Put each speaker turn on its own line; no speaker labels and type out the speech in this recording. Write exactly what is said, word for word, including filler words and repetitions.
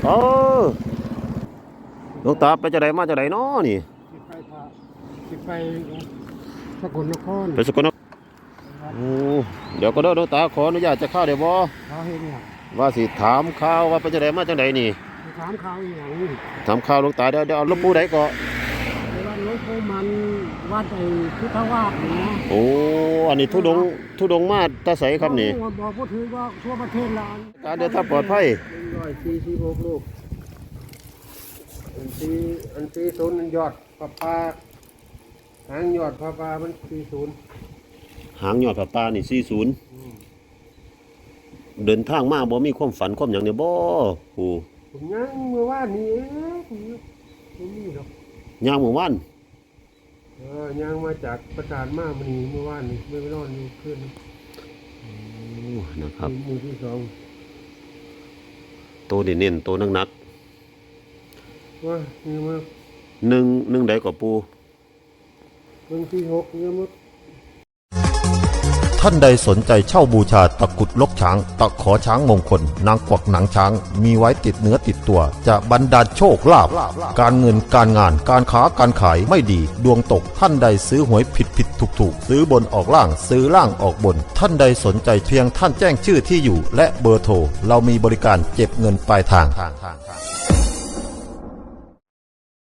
ออหลวงตาไปจะไดมาจะไดน้อนี่
สิไปพระสิไปสกลนคร
ไปสกลนครโอ้เดี๋ยวก็เด้อหลวงตาขออนุญาตจะเข้าได้บ่
เขาเห็นเนี่ย
ว่าสิถามข่าวว่าไปจะไดมาจังไดนี่
ถามข่าวอย่าง
ถามข่าวหลวงตาเดี๋ยวเดี๋ยวเอาหลวงปู่ใดก็
วัดหลวงปู่มันวัดไอ้พุทธวาสนี่นะ
โอ้อันนี้ทุดงทุดงมาตาใสครับนี่
บอกพูดถือว่าทั่วประเทศละ
การเดินทางปลอดภัย
ร้อยสี่สิบหกลูกอันที่อันที่ศูนย์ยอดปลาปลาหางยอดปลาปลามันสี่ศูนย์
หางยอดปลาปลานี่สี่ศูนย์เดินทางมาบ่มีความฝันความอย่างเนี่ยบ่โอ้
ผมยังเมื่อวานนี้ผมนี่หรอก
ย่างเมื่อวาน
เออย่างมาจากประจานมามันนี้เมื่อวานนี้ไม่ไปนอนอยู่คืน
โอ้นะครับ
มือที่สอง
โตเน้นๆโตนัก
ๆว่านี่มา
หนึ่งหนึ่งใดก็ปู
หนึ่งที่หกเนี่ยมั้ง
ท่านใดสนใจเช่าบูชาตะกุดลกช้างตะขอช้างมงคลนางกวักหนังช้างมีไว้ติดเนื้อติดตัวจะบรรดาลโชคลาภการเงินการงานการค้าการขายไม่ดีดวงตกท่านใดซื้อหวยผิดผิดถูกถูกซื้อบนออกล่างซื้อล่างออกบนท่านใดสนใจเพียงท่านแจ้งชื่อที่อยู่และเบอร์โทรเรามีบริการเก็บเงินปลายทาง